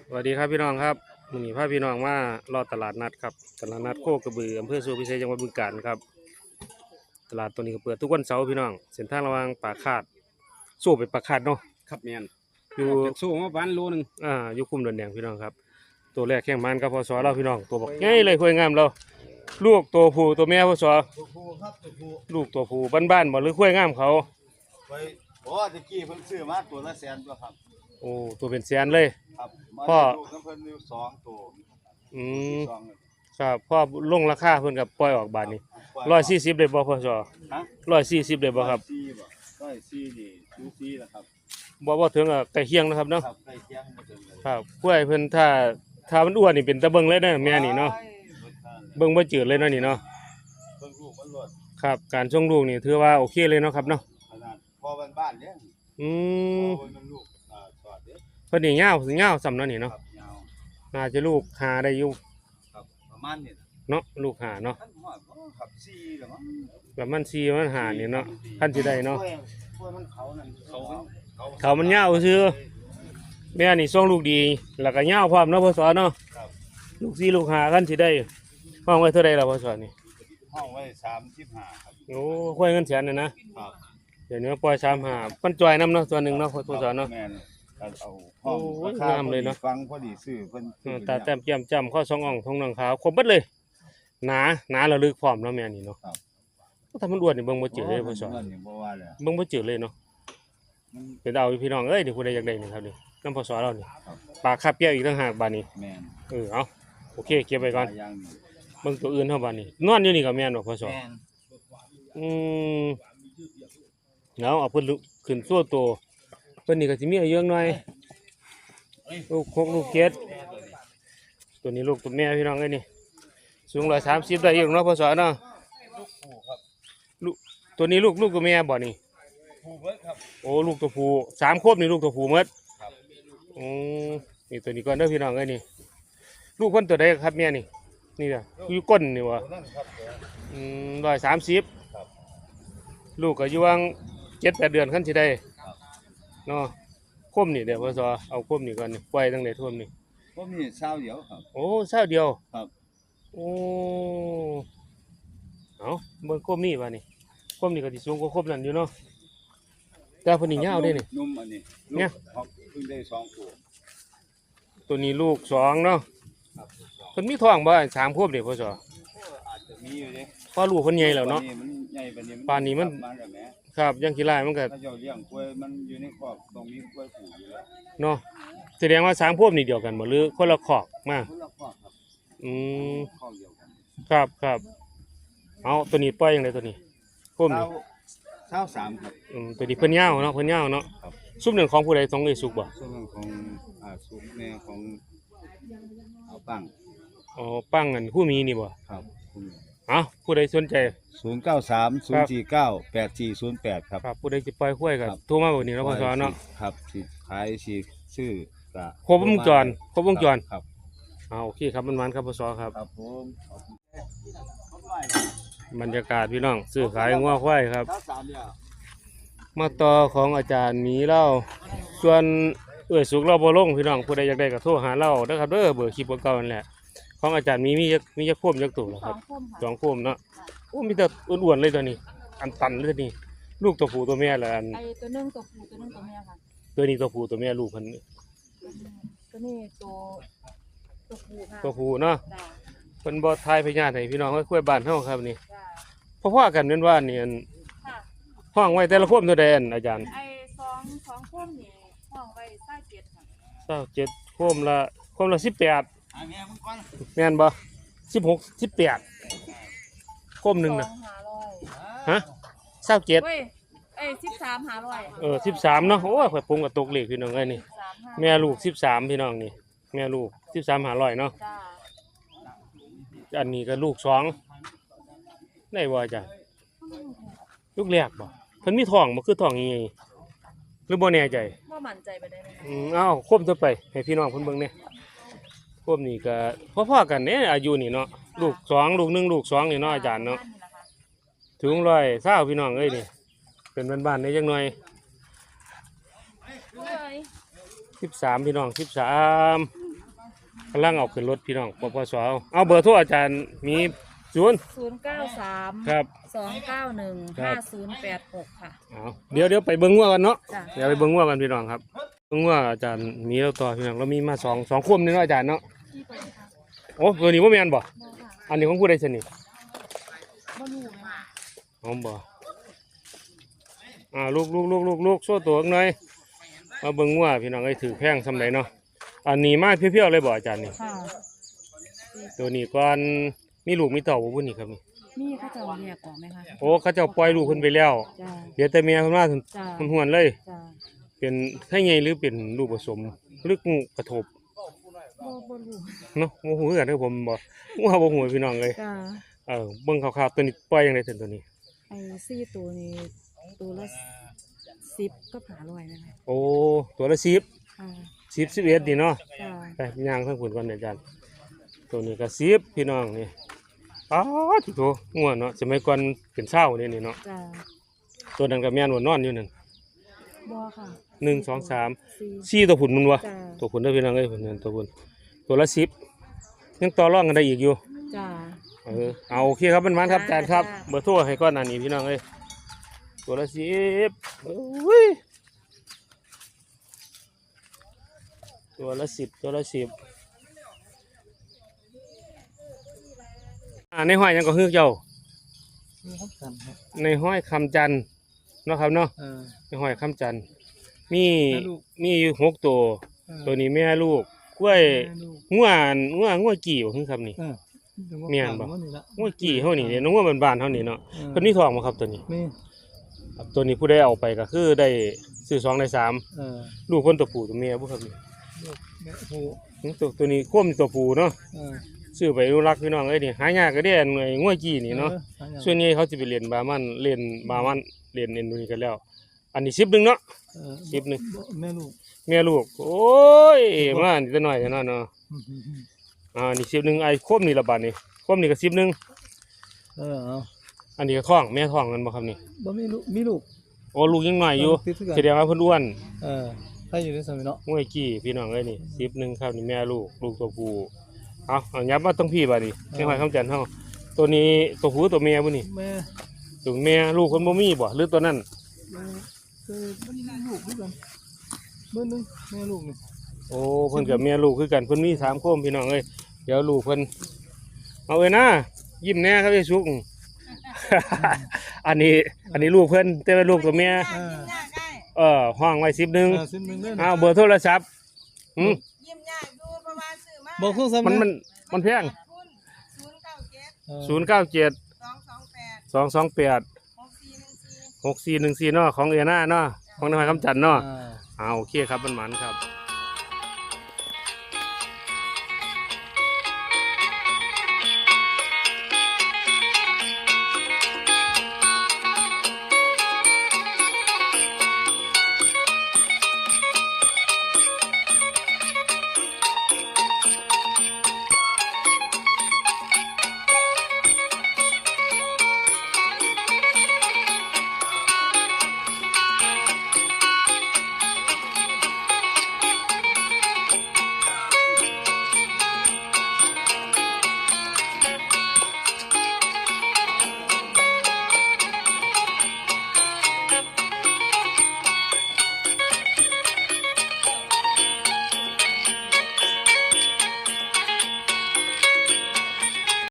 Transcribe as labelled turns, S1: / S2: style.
S1: สวัสดีครับพี่น้องครับวันนี้พาพี่น้องมารอตลาดนัดครับตลาดนัดโคกระบืออำเภอสุวรรณพิเศษจังหวัดบึงกาฬครับตลาดตัวนี้ก็เปิดทุกวันเสาร์พี่น้องเส้นทางระหว่างปากคาดสู้ไปปากคาดเนาะ
S2: ครับแมน
S1: อยู่
S2: จะสู้มาวันโลนึง
S1: อยู่คุมเดินแดงพี่น้องครับตัวแรกแข่งมันกับพศเราพี่น้องตัวบอกง่ายเลยคุยงามเราลูกตัวผู้ตัวแม่พศ
S3: ตัวผู้ครับตัวผู้
S1: ลูกตัวผู้บ้านๆบ่หรือคุยงามเขา
S3: ไปตะกี้เพิ่นซื้อมาตัวละแสนตัวครับ
S1: โอ้ตัวเป็นแสนเลย
S3: ครับ
S1: พ่อ
S3: ลูกน้ำเพิ่นอยู่2ตัว
S1: อืม
S3: สองเลย
S1: ครับพ่อลงราคาเพิ่นกับปล่อยออกบาทนี้140เลยบ่พศ
S3: ฮะ
S1: 140เลยบ่ครับ
S3: 140นี่ดู4ล่ะครับ
S1: บ่ถึงใกล้เคียงนะครับเนาะ
S3: ครับใกล้เคียงบ่ถึงเลย
S1: ครับกล้วยเพิ่นถ้ามันอ้วนนี่เป็นตะเบิงเลยนะแม่นี่เนาะเบิ่งบ่จืดเลยเนาะนี่เนาะ
S3: เบิ่งลูกมันรด
S1: ครับการส่งลูกนี่ถือว่าโอเคเลยเนาะครับเนาะ
S3: ขนาดพอบ้านๆเด้
S1: อืม
S3: พอมันลูกสอดเด้
S1: เพิ่นนี่ยาวส่ำเนาะนี่เนาะ
S3: ครับยาว
S1: น่าจะลูกหาได้อยู่
S3: ครับประมาณนี้
S1: เนาะลูกหาเนาะ
S3: ท่านฮอดบ่ครับ4แล้วมั้ง
S1: ประมาณ4ประมาณ5นี่เนาะคันสิได้เนาะ
S3: กล้วยมันเขานั่น
S1: เขามันยาวซื่อแม่นี่ส่งลูกดีแล้วก็ยาวพร้อมเนาะพ่อสอนเนาะ
S3: ครับ
S1: ลูก4ลูก5คันสิได้ห้องไว้เท่าใดล่ะพ่อสอนนี่
S3: ห้องไว้35ครับ
S1: โอ้ค่อยเงินแสนน่ะนะครับเดี๋ยวนี้ปล่อย35มันจอยนํเนาะตัวนึงเนาะพ่อสอนเนาะ
S3: แม่นเอาห้อง
S1: โอ้ยงามเลยเนาะ
S3: ฟังพอดีซื้อเพิ่น
S1: ตาแต้มแก้มจ้ำข้อสองอ่องทองหนังขาวครบเบิดเลยหนาระลึกพร้อมเนาะแม่นี่เนาะถ้ามันอ้วนนี่เบิ่งบ่จืดเลยพ่อสอน
S3: บ่ว่าแล้ว
S1: เบิ่งบ่จืดเลยเนาะเป็นเอาพี่น้องเอ้ยเดี๋ยวผู้ใดอยากได้นี่ครับนี่น้ำพ่อสอนเรานี่ปลาคาบเปียวอีกต่างหากบาดนี้
S3: แม่น
S1: เอาโอเคเก็บไว้ก่อน
S3: อย่างนี้
S1: เบิ่งตัวอื่นเฮาบาดนี้นอนอยู่นี่ก็แม่นบ่พ่อสอน
S3: แม่น
S1: อืมเอาเพิ่นลุกขึ้นซั่วโตเพิ่นนี่ก็สิมีอายุหน่อยลูก6ลูก7ตัวนี้ลูกตัวแม่พี่น้องเอ้ยนี่สูง130ได้อยู่เนาะพ่อสอนเนาะลูกตัวนี้ลูกตัวแม่บ่นี่
S3: ผู้เบิดครับ
S1: โอ้ลูกตัวผู้3ควบนี่ลูกตัวผู้หมด
S3: ครับ
S1: นี่ตัวนี้ก่อนเด้อพี่น้องเอ้ยนี่ลูกเพิ่นตัวใดครับแม่นี่นี่ล่ะอยู่ก้นนี่วะ130
S3: ครับ
S1: ลูกก็อยู่วัง7-8 เดือนคันสิได้เนาะคมนี่เดี๋ยวพ่อสอเอาคมนี่ก่อนนี่ปล่อยตั้งแต่ท่วมนี่
S3: ผมนี่เช้าเดียวครับ
S1: โอ้เช้าเดียว
S3: ครับ
S1: โอ้เอาเบิ่งคมนี่ว่านี่คมนี่ก็สิสูงกว่าคมนั่นอยู่เนาะแต่เพิ่นนี่ยาวเด้นี่
S3: นุ่มอันนี้
S1: เนี่ย
S3: เพิ่งได้2ตัว
S1: ตัวนี้ลูก2เนาะเพิ่นมีท้องบ่3 ควบนี่พ่อสอ
S3: อาจจะมีอยู่เด้
S1: พอลูกเพิ่นใหญ่แล้วเนาะ
S3: มันใหญ่ปานนี้
S1: ปานนี้มันครับยังขี้ลายมันก็
S3: ถ้าเจ้าเลี้ยงกล้วยมันอยู่ในคอกต้องมีกล้วยผูกอยู่แล้ว
S1: เนาะแสดงว่า3 ควบนี่เดียวกันบ่หรือคนละคอกมา
S3: คนละคอกครับคอกเดียวกัน
S1: ครับเอาตัวนี้ปล่อยจังได๋ตัวนี้คมนี่
S3: 23ครับ
S1: ตัวนี้เพิ่นยาวเนาะซุปหนึ่งของผู้ใดต้องเอ้ยสุกบ่
S3: ส่วนของสุกแม่ของเอาปัง
S1: อ๋อปังอันผู้มีนี่บ่
S3: ครับ
S1: ผู้ใดสนใจ
S3: 0930498408ครับ
S1: ผู้ใดสิปล่อยข้วยก็โทรมาเบอร์นี้เนาะพ่อสอนเนาะ
S3: ครับสิขายสิซื้อก็
S1: ครบวงจร
S3: ครับ
S1: โอเคครับมันครับพ่อสอนครับ
S3: ครับผม
S1: บรรยากาศพี่น้องซื้อขายงัวควายครับมาต่อของอาจารย์มีเล่าส่วนสุกเราบ่ลงพี่น้องผู้ใดอยากได้ก็โทรหาเราเด้อครับเบอร์คลิปเก่านั่นแหละของอาจารย์มีจักพ่วมจักตัวครับ2 พ่วมเนาะโอ้มีแต่อ้วนๆเลยตัวนี้อันตันเลยนี่ลูกตัวผู้ตัวแม่ละอัน
S4: ไอ้ตัวนึงตัวผู้ตัวนึงตัวแม่ค่ะ
S1: ตัวนี้ตัวผู้ตัวแม่ลูกเพิ่น
S4: ตัวนี้ตัวผู้ค่ะ
S1: ตัวผู้เนาะเพิ่นบ่ทายพญาติให้พี่น้องคุยบ้านเฮาครับนี่พ่อๆกันแม่นว่านี่อันห้องไว้แต่ละพ่วมเท่าใดอันอาจารย์
S4: ไอ้2พ่วมนี่ห้องไว้27ค่ะ
S1: 27พ่วมละ18แม่นบ่16 18พ่วมนึงน่ะฮะ27
S4: เว้ย13 500
S1: 13เนาะโอ้ยข่อยปรุงกับตกเลขพี่น้องเอ้ยนี่แม่ลูก13พี่น้องนี่แม่ลูก13 500เนาะอันนี้ก็ลูก2ได้บ่จ้ะลูกแรกบ่เพิ่นมีท้องบ่คือท้องยังไงหรือบ่แน่ใจ
S4: บ่มั่นใจไปได้
S1: คมต่อไปให้พี่น้องเพิ่นเบิ่งแน่คมนี่ก็พอๆกันเนี่ยอายุนี่เนาะลูก2ลูก1ลูก2นี่เนาะอาจารย์เนาะถึง120พี่น้องเอ้ยนี่เป็นบ้านๆได้จังหน่อย13พี่น้อง13 กำลังเอาขึ้นรถพี่น้องปปสเอาเบอร์โทรอาจารย์มี
S4: 093
S1: ครับ
S4: 291
S1: ครับ
S4: 5086ค่ะ
S1: เอาเดี๋ยวไปเบิ่งงัวกันเนาะ
S4: จ้ะ
S1: เดี๋ยวไปเบิ่งงัวกันพี่น้องครับเบิ่งงัวอาจารย์มีแล้วต่อพี่น้องเรามีมาสองคมนี่เนาะอาจารย์เนาะโอ้ตัวนี้บ่แม่นบ่อันนี้ของผู้ใดสนิท
S4: บ่รู้ไหม
S1: อ๋อบ่ลูกโซ่ตัวหน่อยมาเบิ่งงัวพี่น้องเอ้ยถือแพงซำใดเนาะอันนี้มาเพียวๆเลยบ่อาจารย์นี่
S4: ค่ะ
S1: ตัวนี้ก่อนมีลูกมีเต่าบ่พุ่นนี่ครับนี่
S4: นี่เขาจะเอาแยกออกไหมคะ
S1: โอ้เขาเจ้าปล่อยลูกเพิ่นไปแล้ว
S4: จ้า
S1: เดี๋ยวแต่เมียเพิ่นมา
S4: จ้า
S1: หวนๆเลย
S4: จ้า
S1: เป็นไข่ใหญ่หรือเป็นลูกผสมหรืองูกระทบ
S4: บ่รู้
S1: เนาะบ่ฮู้คือกันเด้อผมบ่ว่าบ่ฮู้พี่น้องเลย
S4: จ้า
S1: เบิ่งคร่าวๆตัวนี้ปล่อยจังได๋ตัวนี้
S4: ไอ้ซี่ตัวนี้ตัวละ10ก็500นะคะ
S1: โอ้ตัวละ10
S4: ค่ะ
S1: 10 11นี่เนาะ
S4: จ้า
S1: ไปย่างทางพุ่นก่อนเด้ออาจารย์ตัวนี้ก็10พี่น้องนี่อ้าวที่โตงัวเนาะสมัยก่อนเป็นเช้านี่เนาะ
S4: จ้า
S1: ตัวนั้นก็แม่นว่านอนอยู่นั่น
S4: บ่ค่ะ
S1: 1 2 3
S4: สี่
S1: 4ตัวพุ่นมันวะ
S4: จ้า
S1: ตัวพุ่นเด้อพี่น้องเอ้ยพุ่นนั่นตัวพุ่นตัวละ10ยังต่อรองกันได้อีกอยู่
S4: จ้า
S1: เอาโอเคครับมันครับอาจารย์ครับ
S4: จ้า
S1: เบอร์โทรให้ก้อนอันนี้พี่น้องเอ้ยตัวละ10อุ้ยตัวละ10ตัวละ10ในห้อยยังก็ฮือเจ้า
S3: นี่ครับกันครับ
S1: ในห้อยคำจันทร์เนาะครับเนาะในห้อยคำจันทร์มี
S3: แม่ลูก
S1: มีอยู่6ตัวตัวนี้แม่ลูกกล้วยงัวกี่บ่คือครับนี่ เมียนบ่ งัวกี่เฮานี่เนี่ยงัวบ้านๆเฮานี่เนาะเพิ่นมีทองบ่ครับตัวนี้
S3: นี่
S1: ตัวนี้ผู้ใดเอาไปก็คือได้ซื้อ2ได้3
S3: เออ
S1: ลูกคนตัวผู้ตัวเมียบ่ครับนี่
S3: ลูกแม่หู
S1: ตัวนี้ควมตัวผู้เนาะ
S3: เออ
S1: ซื้อไปอนุรักษ์พี่น้องเอ้ยนี่หายากก็ได้อันไอ้งัวจี้นี่เนาะส่วนใหญ่เขาสิไปเรียนบามันเรียนบามันเรียนเอ็นดูนี่กันแล้ว อันนี้10นึงเนาะ 10นึง
S3: แม่ลูก
S1: เมียลูกโอ้ยมานี่ตัวน้อยเนาะนี่10นึงไอ้ควมนี่ละบาดนี่ควมนี่ก็10นึง
S3: เออเอา
S1: อันนี้ก็ท้องแม่ท้องกันบ่ครับนี่
S3: บ่มีลูกมีลูก
S1: โอ้ลูกยังน้อยอยู่
S3: ติดคือกัน
S1: แสดงว่าเพิ่นอ้วน
S3: ถ้าอยู่ในสมัยเนาะ
S1: งัวจี้พี่น้องเอ้ยนี่10นึงครับนี่แม่ลูกตัวผู้เอายับมาต้องพี่บาดนี่ไม่ค่อยคำจันทร์เฮาตัวนี้ตัวผู้ตัวเมียบ่นี่
S3: แม่
S1: ตัวเมียลูกคนบ่มีบ่หรือตัวนั้น
S3: คือมันมีลูกด้วยกันเบอร์หนึงแม่ลูกนี่
S1: โอ้เพิ่นกับเมียลูกคือกันเพิ่นมี3โคมพี่น้องเอ้ยเดี๋ยวลูกเพิ่นเอาเอ้ยนะยิ้มแน่ครับไอ้สุก อันนี้ลูกเพิ่นแต่ว่าลูกตัวเมียห้องไว้10นึง
S3: ซิมหนึงเลย
S1: เบอร์โทรศัพท์อืม
S2: ยิ้มยากดูประมาณซื้อมา
S3: บอกเครื่องซ้ำ
S1: มันแพง
S2: คุณ097
S1: 097
S2: 228
S1: 228 6414เนาะของเอน่าเนาะของนายคำจันทร์เนาะโอเคครับมันหมันครับ